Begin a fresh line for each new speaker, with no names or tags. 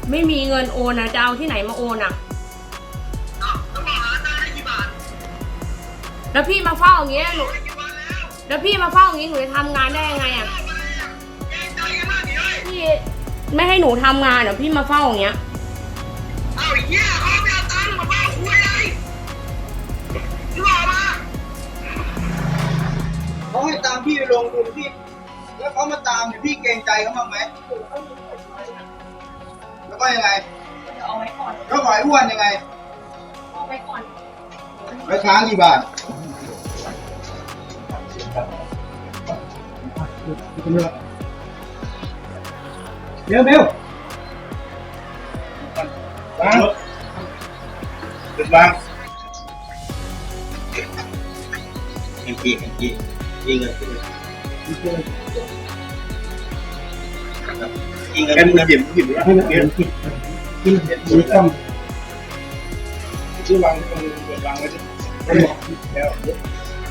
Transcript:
ไม่มีเงินโอนนะจะเอาที่ไหนมาโอนอ่ะ
แล้วบอกร้านได้กี่บาท
แล้วพี่มาเฝ้าอย่างเงี้ยหนูแล้วพี่มาเฝ้าอย่างงี้หนูจะทำงานได้ยังไงอ่ะพี่ไม่ให้หนูทำงานเดี๋ยวพี่มาเฝ้าอย่างเงี้ย
เอาเหี้ยเขาไม่เอาตังค์มาบ้าคุยเลยที่บอกมาเขาให้ตามพี่ไปลงทุนพี่แล้วเขามาตามพี่เกรงใจเขาบ้างไหมแล้วก็ยังไง
เอาไว้ก่อน
แล้วปล่อยอ้วนยังไง
เอาไว้ก่อน
ไปค้างกี่บาทเบลวางจุดวางเอ็งกี้ยิงเลยยิงเลยกันหยิบแล้วให้เดี๋ยวกินมีต้มชื่อวางตรงวางไว้ที่แล้ว